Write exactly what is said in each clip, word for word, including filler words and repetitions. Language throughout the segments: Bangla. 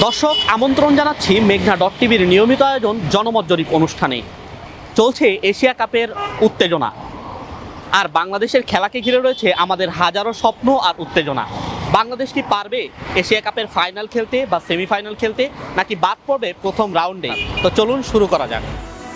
দর্শক আমন্ত্রণ জানাচ্ছি মেঘনা ডট টিভির নিয়মিত আয়োজন জনমত জরিপ অনুষ্ঠানে। চলছে এশিয়া কাপের উত্তেজনা, আর বাংলাদেশের খেলাকে ঘিরে রয়েছে আমাদের হাজারো স্বপ্ন আর উত্তেজনা। বাংলাদেশ কি পারবে এশিয়া কাপের ফাইনাল খেলতে বা সেমিফাইনাল খেলতে, নাকি বাদ পড়বে প্রথম রাউন্ডে? তো চলুন শুরু করা যাক।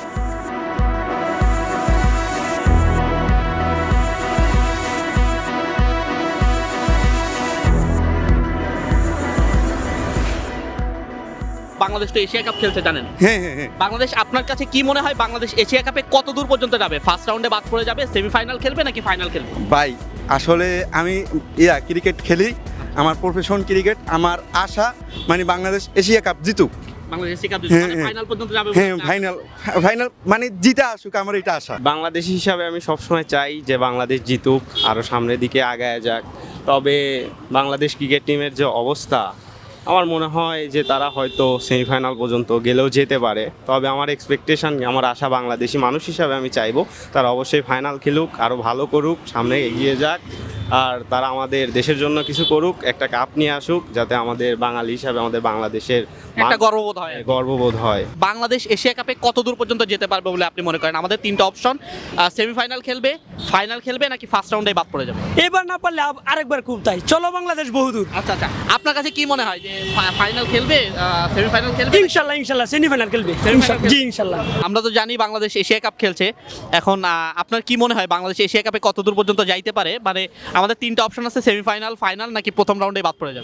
বাংলাদেশ তো এশিয়া কাপ খেলছে জানেন। হ্যাঁ হ্যাঁ হ্যাঁ বাংলাদেশ আপনার কাছে কি মনে হয়, বাংলাদেশ এশিয়া কাপে কত দূর পর্যন্ত যাবে? ফার্স্ট রাউন্ডে বাদ পড়ে যাবে, সেমিফাইনাল খেলবে নাকি ফাইনাল খেলবে? ভাই আসলে আমি ইয়া ক্রিকেট খেলি, আমার প্রফেশন ক্রিকেট। আমার আশা মানে বাংলাদেশ এশিয়া কাপ জিতুক। বাংলাদেশ এশিয়া কাপ হ্যাঁ, মানে হ্যাঁ। ফাইনাল পর্যন্ত যাবে। হ্যাঁ ফাইনাল ফাইনাল মানে জিতা আসুক, আমার এটা আশা। বাংলাদেশ হিসাবে আমি সবসময় চাই যে বাংলাদেশ জিতুক, আরও সামনের দিকে আগায় যাক। তবে বাংলাদেশ ক্রিকেট টিমের যে অবস্থা, আমার মনে হয় যে তারা হয়তো সেমিফাইনাল পর্যন্ত গেলেও যেতে পারে। তবে আমার এক্সপেকটেশন, আমার আশা, বাংলাদেশি মানুষ হিসাবে আমি চাইবো তারা অবশ্যই ফাইনাল খেলুক, আরও ভালো করুক, সামনে এগিয়ে যাক, আর তারা আমাদের দেশের জন্য কিছু করুক, একটা কাপ নিয়ে আসুক, যাতে আমাদের বাঙালি হিসাবে আমাদের বাংলাদেশের একটা গর্ববোধ হয়। গর্ববোধ হয়। বাংলাদেশ এশিয়া কাপে কত দূর পর্যন্ত যেতে পারবে বলে আপনি মনে করেন? আমাদের তিনটা অপশন, সেমিফাইনাল খেলবে, ফাইনাল খেলবে নাকি ফার্স্ট রাউন্ডে বাদ পড়ে যাবে? এবার না পারলে আব- আরেকবার খুব তাই চলো বাংলাদেশ বহুদূর। আচ্ছা আচ্ছা, আপনার কাছে কি মনে হয় যে ফাইনাল খেলবে, সেমিফাইনাল খেলবে? ইনশাল্লাহ ইনশাল্লাহ সেমিফাইনাল খেলবে। Semi-final জি ইনশাল্লাহ। আমরা তো জানি বাংলাদেশ এশিয়া কাপ খেলছে। এখন আহ, আপনার কি মনে হয় বাংলাদেশ এশিয়া কাপে কত দূর পর্যন্ত যাইতে পারে? মানে আমাদের তিনটা অপশন আছে, সেমিফাইনাল, ফাইনাল নাকি প্রথম রাউন্ডে বাদ পড়ে যাবে?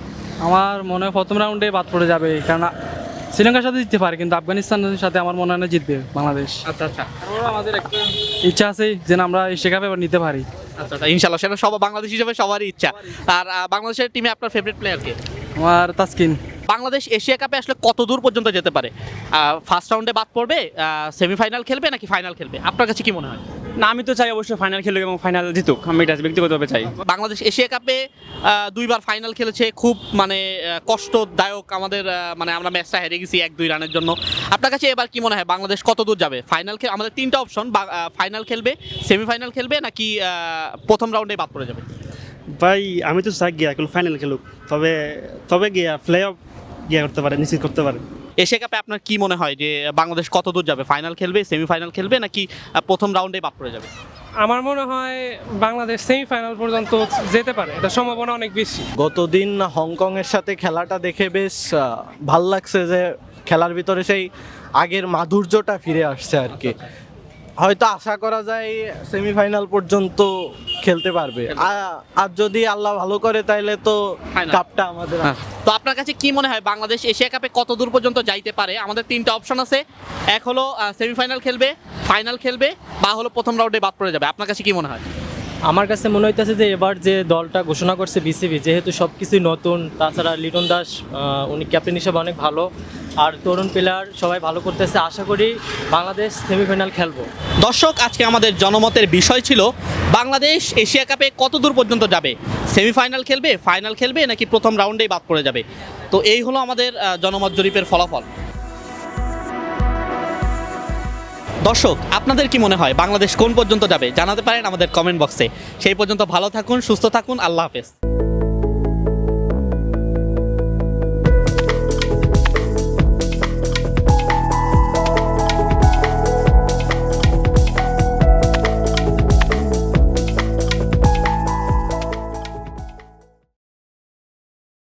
আমার মনে হয় প্রথম রাউন্ডে বাদ পড়ে যাবে, কারণ শ্রীলঙ্কার সাথে জিততে পারে, কিন্তু আফগানিস্তানের সাথে আমার মনে হয় না জিতবে বাংলাদেশ। আচ্ছা আচ্ছা তারপরেও আমাদের একটা ইচ্ছা আছে যেন আমরা এশিয়া কাপে এবার নিতে পারি। আচ্ছা আচ্ছা, ইনশাল্লাহ সেটা সব বাংলাদেশ হিসেবে সবারই ইচ্ছা। আর আহ, বাংলাদেশের টিমে আপনার ফেভারিট প্লেয়ার কে? আমার তাসকিন। বাংলাদেশ এশিয়া কাপে আসলে কত দূর পর্যন্ত যেতে পারে? ফার্স্ট রাউন্ডে বাদ পড়বে, সেমিফাইনাল খেলবে নাকি ফাইনাল খেলবে? আপনার কাছে কি মনে হয়? না, আমি তো চাই অবশ্যই ফাইনাল খেলুক এবং ফাইনাল জিতুক। আমি এটা ব্যক্তিগতভাবে চাই। বাংলাদেশ এশিয়া কাপে আহ, দুইবার ফাইনাল খেলেছে, খুব মানে আহ, কষ্টদায়ক আমাদের, আহ, মানে আমরা ম্যাচটা হেরে গেছি এক দুই রানের জন্য। আপনার কাছে এবার কি মনে হয় বাংলাদেশ কত দূর যাবে? ফাইনাল খেল, আমাদের তিনটা অপশন, ফাইনাল খেলবে, সেমিফাইনাল খেলবে নাকি আহ, প্রথম রাউন্ডে বাদ পড়ে যাবে? ভাই আমি তো চাই গিয়া ফাইনাল খেলুক, তবে তবে গিয়া প্লে অফ গিয়া করতে পারে, নিশ্চিত করতে পারে। এশিয়া কাপে আপনার কি মনে হয় যে বাংলাদেশ কত দূর যাবে? ফাইনাল খেলবে, সেমিফাইনাল খেলবে নাকি আহ, প্রথম রাউন্ডে বাদ পড়ে যাবে? আমার মনে হয় বাংলাদেশ সেমিফাইনাল পর্যন্ত যেতে পারে, এটা সম্ভাবনা অনেক বেশি। গতদিন হংকংয়ের সাথে খেলাটা দেখে বেশ আহ, ভাল লাগছে যে খেলার ভিতরে সেই আগের মাধুর্যটা ফিরে আসছে আর কি। হয়তো আশা করা যায় সেমিফাইনাল পর্যন্ত খেলতে পারবে, আ- আর যদি আল্লাহ ভালো করে তাইলে তো Final. কাপটা আমাদের। হ্যাঁ। তো আপনার কাছে কি মনে হয় বাংলাদেশ এশিয়া কাপে কত দূর পর্যন্ত যাইতে পারে? আমাদের তিনটা অপশন আছে, এক হলো সেমিফাইনাল খেলবে, ফাইনাল খেলবে, বা হলো প্রথম রাউন্ডে বাদ পড়ে যাবে। আপনার কাছে কি মনে হয়? আমার কাছে মনে হইতেছে যে এবার যে দলটা ঘোষণা করছে বিসিবি, যেহেতু সব কিছুই নতুন, তাছাড়া লিটন দাস আহ, উনি ক্যাপ্টেন হিসেবে অনেক ভালো, আর তরুণ প্লেয়ার সবাই ভালো করতেছে। আশা করি বাংলাদেশ সেমিফাইনাল খেলবো। দর্শক, আজকে আমাদের জনমতের বিষয় ছিল বাংলাদেশ এশিয়া কাপে কত দূর পর্যন্ত যাবে, সেমিফাইনাল খেলবে, ফাইনাল খেলবে নাকি প্রথম রাউন্ডেই বাদ পড়ে যাবে। তো এই হলো আমাদের আহ, জনমত জরিপের ফলাফল। দর্শক, আপনাদের কি মনে হয় বাংলাদেশ কোন পর্যন্ত যাবে? জানাতে পারেন আমাদের কমেন্ট বক্সে। সেই পর্যন্ত ভালো থাকুন, সুস্থ থাকুন, আল্লাহ হাফেজ।